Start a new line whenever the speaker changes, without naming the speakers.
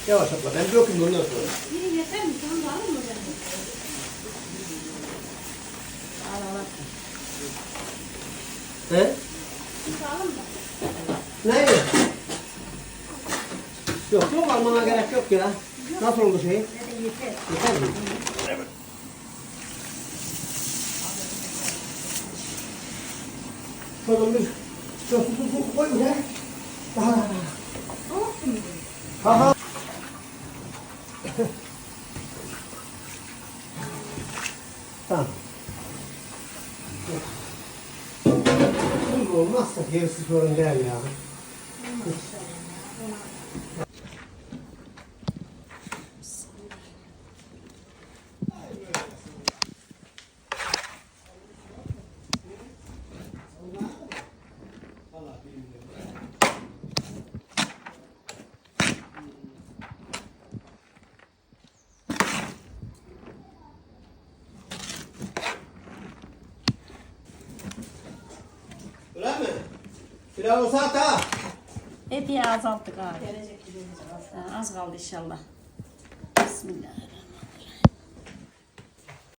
Yavaş abla ben döküm ondan sonra.
Biri yeter mi? Sen de alır mı beni?
Al.
He?
Siz alın mı?
Ne? Yok yok almana gerek yok ya. Nasıl oldu şey?
Yeter.
Yeter mi? Evet. Şuradan bir su koy buraya. Daha. Ha. Tamam. Tuz olmazsa gerisi sorun değil ya. Öyle mi? Pilav olsa ata.
Epey azalttık abi.
Gelecek gibi olacak.
Az kaldı inşallah. Bismillah.